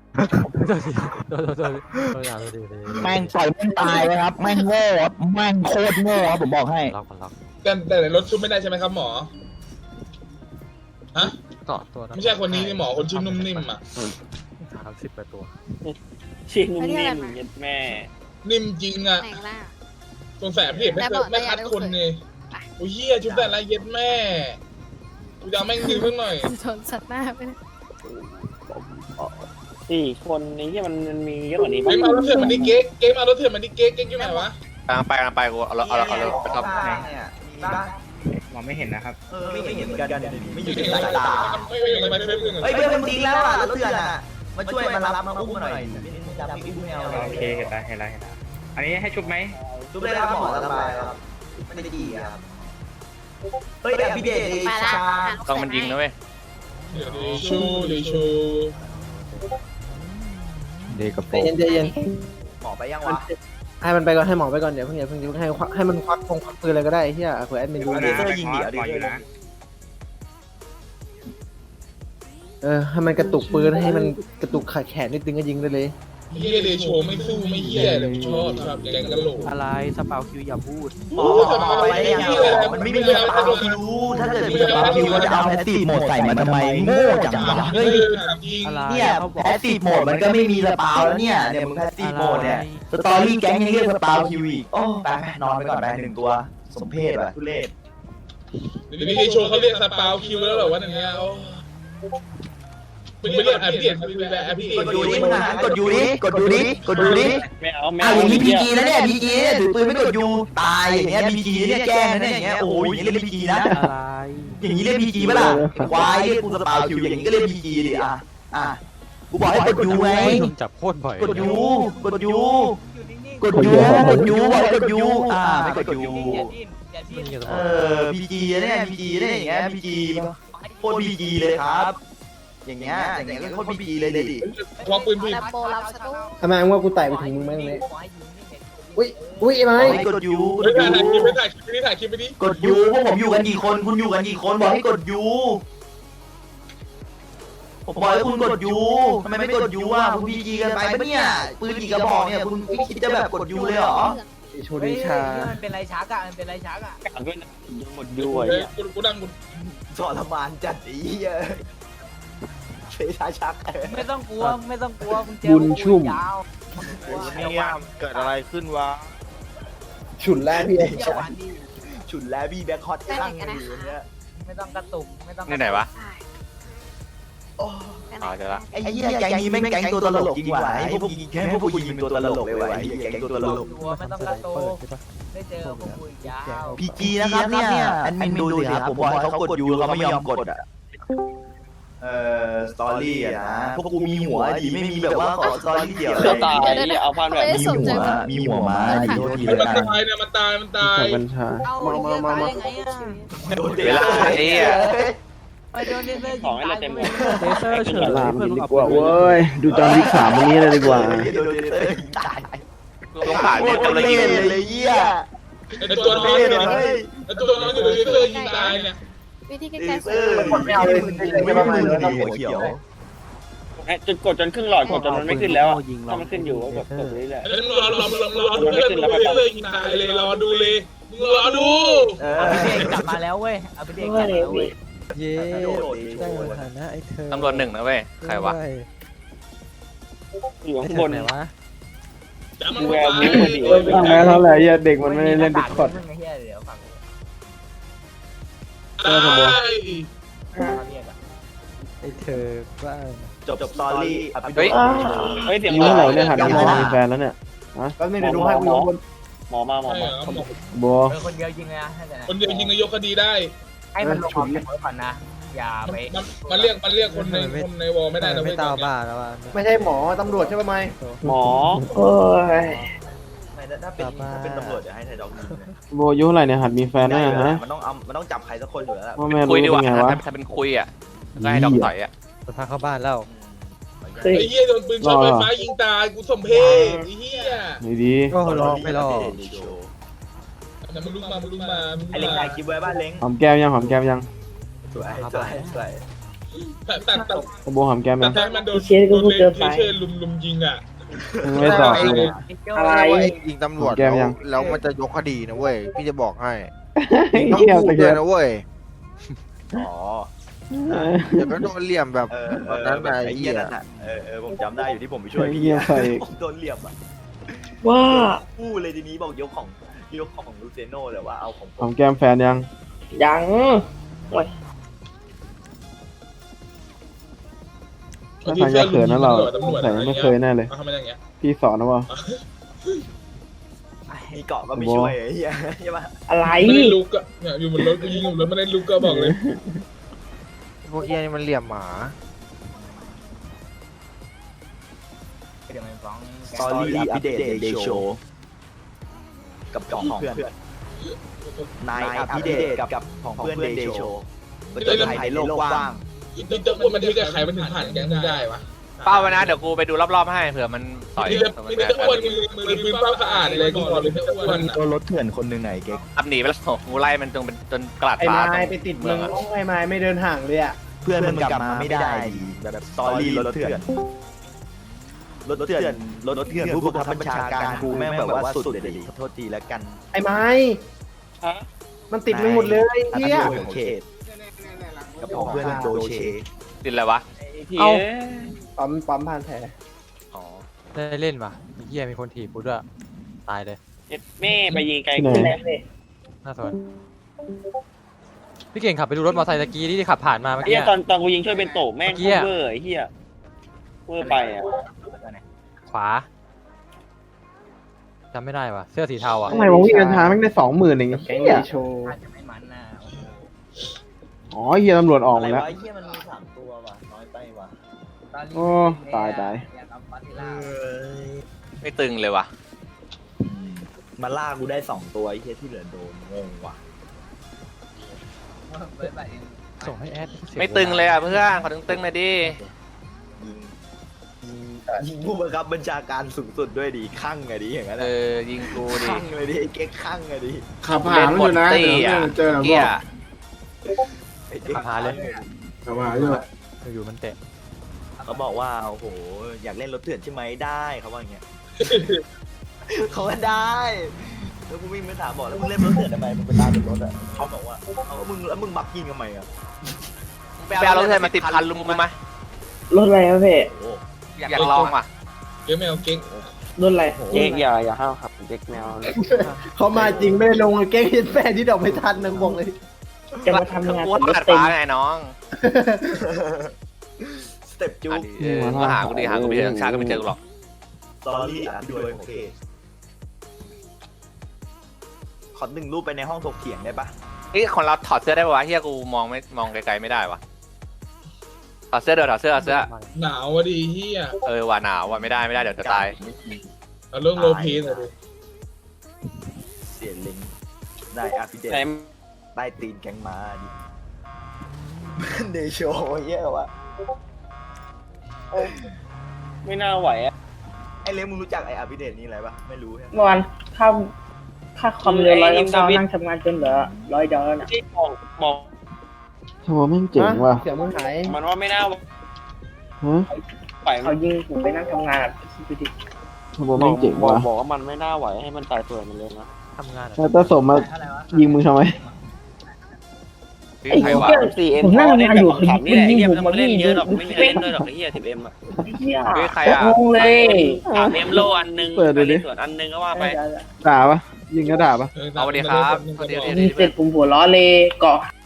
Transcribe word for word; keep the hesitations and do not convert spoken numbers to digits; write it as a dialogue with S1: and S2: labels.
S1: โดนโดนโดนโดนโดนโดน
S2: แม่งปล่อยแม่งตายเลยครับแม่งโง่ครับแม่งโคตรโง่ครับผมบอกให้
S1: ล็อกมันล็อก
S3: แต่แต่ในรถชุบไม่ได้ใช่ไหมครับหมอฮะ
S1: เกาะตัว
S3: ไม่ใช่คนนี้นี่หมอคนชื่อนุ่มนิ่มอ่ะ
S1: สามสิบแปดตัว
S4: ชื่อนุ่มนิ่มเย็ดแม่
S3: นิ่มจริงอ่ะ
S5: ไหนล่ะ
S3: สงสัยพี่เอกไม่เคยไม่คัดคนนี่โอ้ยเหี้ยชุบแต่ละเย็ดแม่กูจะเอาแม่งดึงเพิ่งหน่อย
S5: ชนสัตว์หน้าไปนะ
S4: สี่คนนี้ที่มันมันมีเยอะกว่านี้
S3: เกมเอารถเถื่อนมันดิเก๊กเกมเอารถเถื่อนมันดิเก๊กเก๊กอยู่ไหนวะ
S6: กำลังไปกำลังไปกูเอาเอาเอาเอาไปครับ
S7: เนี่ยมีบ้าง
S4: มองไม่เห็นนะครับ
S7: เออไม่เห็นเหมือนกันไม่อยู่ใน
S3: ไม่
S7: สายตา
S3: ไม่ไม่ไม่ไม่ไม่
S7: เฮ้ยเพื่อนมันทิ้งแล้วอ่ะรถเถื่อนอ่ะมาช่วยมารับมาอุ้มหน่อยจับพี่อุ้มแนว
S4: โอเคเห็นแล้วเห็นแล้วเห็นแล้วอันนี้ให้ชุบไหม
S7: ชุบได้แล้วหมอสบายครับไม่ได้ดีครับเฮ้ยแต่พี่เดชดี
S5: ไปละ
S7: ชา
S6: ต้องมันยิงนะเว้ย
S3: เดี๋ยวดีชูดีชู
S1: เด็กกระโป
S8: ใจ
S1: รง
S8: เย็นใจเย็น
S7: หมอไปยังวะ
S8: ให้มันไปก่อนให้หมอไปก่อนเดี๋ยวเพิ่งอย่าเพิ่งอย่าเพิ่งให้ควักให้มันควักคงควักปืนอะไรก็ได้เฮียเผื่อแอดมินดู
S7: เดเซอร์ยิงเดี๋ยวเด
S4: ปล่อย
S7: เซ
S4: อ
S7: อยู่ ร์
S4: นะ
S8: เออให้มันกระตุกปืนให้มันกระตุกขาแขนนิดนึงก็ยิงได้เลย
S3: เฮียเดโชไม่สู้ไม่เฮียเลยชอบครับแกงกะโหลก
S1: อะไรสปาวคิวอย่าพูด
S7: หมอไปได้ยังมันไม่มีสปาคิวถ้าเกิดมีสปาคิวมันจะเอาแพสซีฟโหมดใส่มาทำไมโง่จังวะเฮ้ย
S3: จริง
S1: อะไร
S7: เนี่ย
S1: เขาบอ
S7: แพ
S1: ก
S7: สซีฟโหมดมันก็ไม่มีสปาวแล้วเนี่ยเนี่ยมึงแพสซีฟโหมดเนี่ยสตอรี่แก๊งยังเรียกสปาวคิวอีกโอ้ไปไปนอนไปก่อนไปหนึ่งตัวสมเพศว่ะทุเรศ
S3: เดี๋ยวนี้เดโชเขาเรียกสปาวคิวแล้วเหรอวะอย่างเงี้ยโอ้เป็นเรียกแอปเดียนเป็นแอปเดีย
S7: ก
S3: น
S7: ดยูดิมึงอ่ะกดยูดิกดยูดิกดยูดิ
S4: ไม่เอาไม่
S7: อ้าว
S4: เอา
S7: อย่างนี้พีจีนะเนี่ยพีจีเนี่ยถือปืนไม่กดยูตายอย่างเงี้ยพีจีเนี่ยแกล้งนะเนี่ยอย่างเงี้ยโอ้โหอย่างนี้เรียกพีจีนะ
S1: อะไร
S7: อย่างนี้เรียกพีจีปะล่ะควายเรียกกูสปาวคิวอย่างนี้ก็เรียกพีจีดิอ่ะอ่ะกูบอกให้กดยูไง
S1: โดนจับโคตรบ่อย
S7: กดยูกดยูกดยูกดยูบอกให้กดยูอ่าไม่กดยูเออพีจีเนี่ยพีจีเนี่ยอย่างเงี้ยพีจีโคตรพีจีเลยครับ อย่างเงี้ยอย่างเงี้ยก็โคตรพีจีเลยดิ
S3: ควงปืนผิด
S5: แลมโบรับสตู
S8: ทำไมว่ากูไต่ไปถึงมึงไหมตรงนี้อุ้ยอุ้ยไอ้ไม้
S7: ให้กดยูก
S3: ไม่
S7: ด
S3: ถ่ายคลิป
S7: ยู
S3: ไม่ถ่ายคลิปไม่ถ่ายคลิปไปดิ
S7: กดยูพวกผมอยู่กันกี่คนคุณอยู่กันกี่คนบอกให้กดยูผมบอกให้คุณกดยูทำไมไม่กดยูอ่ะคุณพีจีกันไปปะเนี่ยปืนกี่กระบอกเนี่ยคุณไม่คิดจะแบบกดยูเลยเหรอ
S8: โชดิชา
S9: มันเป็นไรชักอ่ะ มันเป็นไรชักอ่ะ
S4: กลางด้วยนะหมดด้วย
S3: กูกูดังกู
S7: ทรมานจัดอีเหี้ยเฟชาชัก
S9: ไม่ต้องกลัว ไม่ต้องกลัวมึงเจอ
S8: บุญชุ่ม
S9: ยาว
S6: เนี่ยเกิดอะไรขึ้นวะ
S8: ฉุนแล้วพี่
S9: เที่ยวหวานดี
S7: ฉุนแล้วพี่แบ็คฮอตตั้งอยู่เนี่ย
S9: ไม่ต้องกระตุก ไม่ต้องก
S6: นี่
S9: ระ
S6: ไหน
S9: ตุก
S6: วะ
S7: โอ้
S6: อ๋อเจอละ
S7: ไอ้เหี้ยแก๊งนี้แม่งแก๊งตัวตลกจริงว่ะไอ้พวกยิงแค่พวกกูยิงเป็นตัวตลกเลยว่ะไอ้แก๊งตัวตลก
S9: กลัวไม่ต้องกระตุกได้เจอพวกกูอีกยาว
S7: พีจีนะครับเนี่ยแอดมินดูสิครับผมบอกให้เขากดยูเขาไม่ยอมกดอ่ะเอ่อสตอรี่อะนะพวกกูมีหัวดีไม่มีแบบว่าขอสตอรี่เดี่ยวเล
S4: ก็
S7: ย
S4: ตายเอาพันแบบ
S7: มีหัวมีหัวมาดีโทษที
S3: มัน
S7: แล้วกัน
S3: ตายเนี่ยมันตายมันตาย
S8: กัญชา
S9: เอาไอ้เหี้ยตายได้ไงอ่ะ
S7: โดน
S6: เวลาไอ้เหี้ย
S9: ไปโดนเลเซอร์
S4: ข
S9: ยิ
S4: อง
S9: ง
S4: ให้
S9: ตา
S4: เรา
S9: ย
S4: เต็ม
S9: เล
S4: เลย
S9: ย
S1: เลเซอร์เฉย
S8: ลา
S1: เพื่อน
S8: ดี
S1: มึง
S8: กว่าเว้ยดูจอห์นวิกสามวันนี้เลยดีกว่า
S7: โดนเลเซอร์ยิงตาย
S6: ต้องผ่าน
S7: โค
S6: เนี่ย
S7: ตร
S6: กำลัง
S7: เล่
S6: ยิง
S7: นเลยเหี้ย
S3: ไอตัวน้องเนี่ยไอตัวน้องอยู่ในเสื้อยิงตายเนี่ย
S5: วิธี
S7: เล
S5: แก้
S7: เซอร์ไม่ต้องมือดีหัวเขียว
S4: จนกดจนครึ่งหลอดกดจนมันไม่ขึ้นแล้วถ้ามันขึ้นอยู่ก็กดกดเรื่อย
S3: แล้วมึงรอรอรอรอดูเพื่อนมึงเลยเสื้อยิงตายเลยรอดูเลยมึงรอดู
S7: เอ
S9: เอา
S7: อ
S9: ไปเด็กกลับมาแล้วเว้ย เอาไปเด็กกลับมาแล้วเว้ย
S1: เย้ได้ฐานะไอ้เธอ
S6: ตำรวจหนึ่งนะเว้ยใครวะ
S4: ๆอยู่
S1: ไอ้
S4: ข้าง
S1: เธ
S4: บ
S1: อน ไหนวะ
S3: จะมัน
S4: แว
S3: ตา
S4: ร์
S3: ย
S4: วูฟพอดี
S8: ตั้งแล้วเท่าไหร่เด็กมันไม่ได้เล่นดิสคอร์ด
S9: มึงไอ้เหี้ยเดี๋ยวฟัง
S3: ตาย
S9: เขาเรียกอะ
S1: ไอ้เธอบ้า
S7: จบจบสตอรี่
S6: เฮ้ย
S4: เฮ้ยเสียง
S8: ยิ้มเท่าไหร่เนี่ยหันมามองมีแฟนแล้วเนี่ยฮะก็ไม่ได้ดูให้กูอยู่บน
S4: หมอมาหมอมา
S8: บัว
S9: เออคนเดียวยิงเลยนะให้แต่นะ
S3: คนเดียวยิงนายกคดีได้
S9: ให้มันลงออกจากรถก่อนนะ อย่าไป
S3: มันมันเรียกมันเรียกคนในคนในวอลไม่ได้นะ
S1: ไม่
S3: เว้ย
S1: ตาบ้าแล้วว่ะ
S8: ไม่ใช่หมอตำรวจใช่ไหม
S4: หมอ
S8: โอ้ย
S7: ไม่ถ้าเป็นถ้าเป็นตำรวจเดี๋ยวให้ไทยดอกยิง
S8: โบอายุเท่าไหร่เนี่ยหัดมีแฟนได้ฮะ
S7: มันต้องเอามันต้องจับใครสักคนอยู่แล้ว
S8: ว่าแม่รู้
S6: คุยดีก
S8: เป็
S6: ว่าน
S8: ไงวะ
S6: ถ้าเป็นคุยอ่ะก็ให้ดอกต่อยอ่ะ
S1: จะพาเข้าบ้านแล้ว
S3: ไอ้เหี้ยโดนปืนช็อตไฟฟ้ายิงตายกูสมเพชไอ้เหี้ย
S8: ดีดี
S1: ก็ลองไม่ลอง
S3: แต่มึงลุกมามึงลุกมามึง
S7: ไอ้เล้งถ่ายคลิปไว้บ้านเล้ง
S8: หอมแก้มยังหอมแก้มยัง
S7: สวยสวยสวย
S3: แต่แต่แต่
S8: โบหอมแก้ม
S3: แต่
S8: ยัง
S3: ถ้ามันโดนโดนเลนเชอร์ลุมลุมยิงอ่ะ
S8: ไม่ตอบ
S9: อะไร
S10: ยิงตำรวจแล้วมันจะยกคดีนะเว้ยพี่จะบอกให้ต้อง
S8: เกี่ยว
S10: พู
S8: ตะ
S10: ด
S8: เกี
S10: เลย ย
S8: บ
S10: นะเว้ย
S7: อ๋อ
S10: เดี๋ยวก็โดนเหลี่ยมแบบ
S7: เออ
S10: ตอนนั้น
S7: แบบ
S10: ไอ้
S7: ไอ้
S10: เหี้
S7: เหี้
S10: ย
S7: ยนั่นน่ะเออเออผมจำได้อยู่ที่ผมไปช่วยพี่
S8: เหี้ยใส่
S7: ผมโดนเหลี่ยมอ่ะ
S9: ว่า
S7: พูดเลยทีนี้บอกยกของยกของลูเซโน่แต่ว่าเอาของผ
S8: หอ
S7: ม
S8: มแก้มแฟนยัง
S9: ยัง
S8: ถ้าทางจะเขินนะเราแต่ไม่เคยแน่เลย
S3: ทำไมอย่างเงี้ย
S8: พี่สอนนะว่า
S7: มีเกาะก็ไม่ช่วยไอ้เหี้ยใช่ปะ
S9: อะไร
S3: ไม่ได้ลุกอ่ะเนี่ยอยู่บนรถกูยิงอยู่บนรถไม่ได้ลุกก็บอกเลย
S10: พวกเหี้ยนี่มันเหลี่ยมหมา
S9: เดี๋ยวมันฟ้อง
S7: สตอรี่อัปเดตเดย์โชว์กับของเพื่อนนายอัปเดตกับของเพื่อนเดย์โชว์ก็จะถ่ายในโลกกว้าง
S3: นี่จะพูดมันที่กับใครมันถึงผ่านแก๊งมึงได้วะ
S6: เป้าไว้นะเดี๋ยวกูไปดูรอบๆให้เผื่อมันต่อย
S3: นี่จะนี่จะอ้วนมือมือปืนเป้าสะอาดเลยกูบอกเลยจะอ้วน
S7: ตัวรถเถื่อนคนหนึ่งไหนเก๊ก
S6: อับหนีไปแล้วกูไล่มันจนเป็นจนกระดาษ
S8: ไอ้
S6: ฟ้า
S8: ไม้ไปติดมึงโอ้ไอ้ไม้ไม่เดินห่างเลยอ่ะ
S7: เพื่อนมันกลับมาไม่ได้ดีแบบสตอรี่รถเถื่อนรถเถื่อนรถเถื่อนผู้บังคับบัญชาการกูแม่งแบบว่าสุดเลยดิขอโทษทีแล้วกัน
S8: ไอ้ไม้
S4: ฮะ
S8: มันติดมึงหมดเลยเฮีย
S7: อันนั้นของเขตกับของเพื่อนโดเช
S6: ดินอะไรวะ
S4: พี่
S1: เอ้า
S8: ปั๊มปั๊มผ่านแผล
S6: อ๋อ
S1: ได้เล่นป่ะไอ้เหี้ยมีคนถีบกูด้วยตายเลย
S4: เอ็ดแม่ไปยิงไกล
S8: ที่ไหน
S4: ขึ้น
S1: น่าสนพี่เก่งขับไปดูรถมอเตอร์ไซค์ตะกี้ที่ขับผ่านมาเมื่อ
S4: ไอ้เหี้
S1: กี้
S4: ยตอนตอนกูยิงช่วยเป็นโตแม่ง
S1: เมื่อกี้
S4: โคตร
S1: อะ
S4: เวอร์ไอ้เหี้ยเวอร์ไปอ่ะ
S1: ขวาจำไม่ได้ว่ะเสื้อสีเทาอ่ะ
S8: ทำไมวะวิ่งกันช้าแม่งได้สองหมื่นเองแก๊งโชว์
S9: อาจจะไม่มันนะ
S8: อ๋อเฮียตำรวจออก
S7: อะไร
S8: มาแล้ว
S7: วะไอ้เหี้ยมันมีสามตัวว่ะน้อยไปว่ะ
S8: โอ้ตายตาย
S9: อยากเอาปาติล่า
S6: ไม่ตึงเลยว่ะ
S7: มาล่ากูได้สองตัวไอ้เหี้ยที่เหลือโดนงงว่ะ
S9: เบิร์ดบัตรเอง
S1: ส่งให้แอด
S6: ไม่ตึงเลยอ่ะเพื่อนขอตึงๆหน่อยดิ
S7: ยิงยิงยิงผู้บังคับบัญชาการสูงสุดด้วยดิข้างไงดิอย่างนั้น
S6: เอ
S7: อะ
S6: อยิงกูดิ
S7: ข้างเลยดิไอ้เก๊กข้างไงดิ
S8: ขับ
S6: เล่นหมดตี้อ่ะเกีย
S7: ไอ้เก๊ก
S1: ขับหาเลย
S8: ขับมาอยู่
S1: อยู่ๆมันเตะ
S7: เขาบอกว่าโอ้โหอยากเล่นรถเถื่อนใช่ไหมได้เขาว่าอย่างเงี้ย เขาว่าได้แล้วกูวิ่งไปถามบอกแล้วมึงเล่นรถเถื่อนทำไมมึงไปตามรถอ่ะเขาบอกว่าเอามึงแล้วมึงบักยิงทำไมอ่ะ
S6: ไปเอารถเธอมาติดพันลุงกูไหม
S9: รถอะไรวะพี่
S7: โอ้
S6: อยากลองว่ะ
S3: เก๊กไม่เอาเก๊ก
S9: รถอะไร
S4: เจ๊กอย่าอย่าห้าวครับเจ๊กแมว
S8: เขามาจริงไม่ได้ลงเก๊งเห็นแฟนที่ดอกไม่ทันนะบอกเลย
S9: จะมาทำงาน
S6: กู
S9: กับรถ
S6: ตัด
S9: เต็ม
S6: ฟ้าไงน้อง
S7: สเต็ปจู
S6: อ่ะดิเออก็หากูดิหากูไม่เจอทั้งชาติก็ไม่เจอกูหรอก
S7: สตอรี่อ่ะด้วยโอเคขอหนึ่งรูปไปในห้องถกเถียงได้ปะ
S6: เฮ้ยของเราถอดเสื้อได้ป่าวะเฮียกูมองไม่มองไกลๆไม่ได้วะถอดเสื้อเดี๋ยวถอดเสื้อถอดเสื้อ
S3: หนาวอ่ะดิเฮีย
S6: เออว่าหนาวว่ะไม่ได้ไม่ได้เดี๋ยวจะตาย
S3: เอาเรื่องโลเพนอ่ะดิ
S7: เสียลิงได้อาพิเดต
S4: ไหน
S7: ใต้ตีนแกงม้าดิเดโชเยอะวะ
S4: ไม่น่าไหวอ่ะ
S7: ไอเลี้ยงมึงรู้จักไออาพิเดตนี่อะไรปะไม่รู้ใช่ไหม
S9: เมื่อวานค่าค่าคอมเรือร้อยเก้านั่งทำงานจนเหลือร้อยดอลลาร์น่ะ
S4: ที่บอกบอก
S8: โหแม่งเจ๋งว่ะ
S9: เสียงมึงหาย
S4: มันว่าไม่น่าไหว
S8: ฮะ
S4: ไป
S9: เขายิงผมไปนั่งทำงานอ่ะคิดดูดิ
S8: โหแม่งเจ๋งว่ะ
S4: บอกว่ามันไม่น่าไหวให้มันตายเปื่อยมันเลยนะ
S1: ทำงานอะ
S8: แล้วตาสมมายิงมึงทำไม
S6: พี่
S9: ไอ้
S6: ใคร
S9: เหี้
S6: วะ
S9: ย
S4: สี่เอ็ม
S9: ผมนั่งทำงานอยู่
S4: ขำนี่แหละ
S9: ยิง
S4: เฮีย
S9: ผม
S4: มัน
S9: มา
S4: เล่
S9: ยิ
S4: น
S9: ง
S4: เยอะหรอกไม่มีใครเล่นด้วยหรอกไอ้เฮียสิบเอ็มอ่ะ
S9: เหี้ย
S6: พี่ใครอ่ะ
S9: งงเลย
S4: สามเอ็มโลอันนึง
S8: เปิดดูดิ
S4: ส่วนอันนึงก็ว่าไป
S8: ด่าปะยิงก็ด่าปะ
S6: เอาสวัสดีครับสวัสดี
S9: ยิงเสร็จผมหัวล้อเลยเกาะ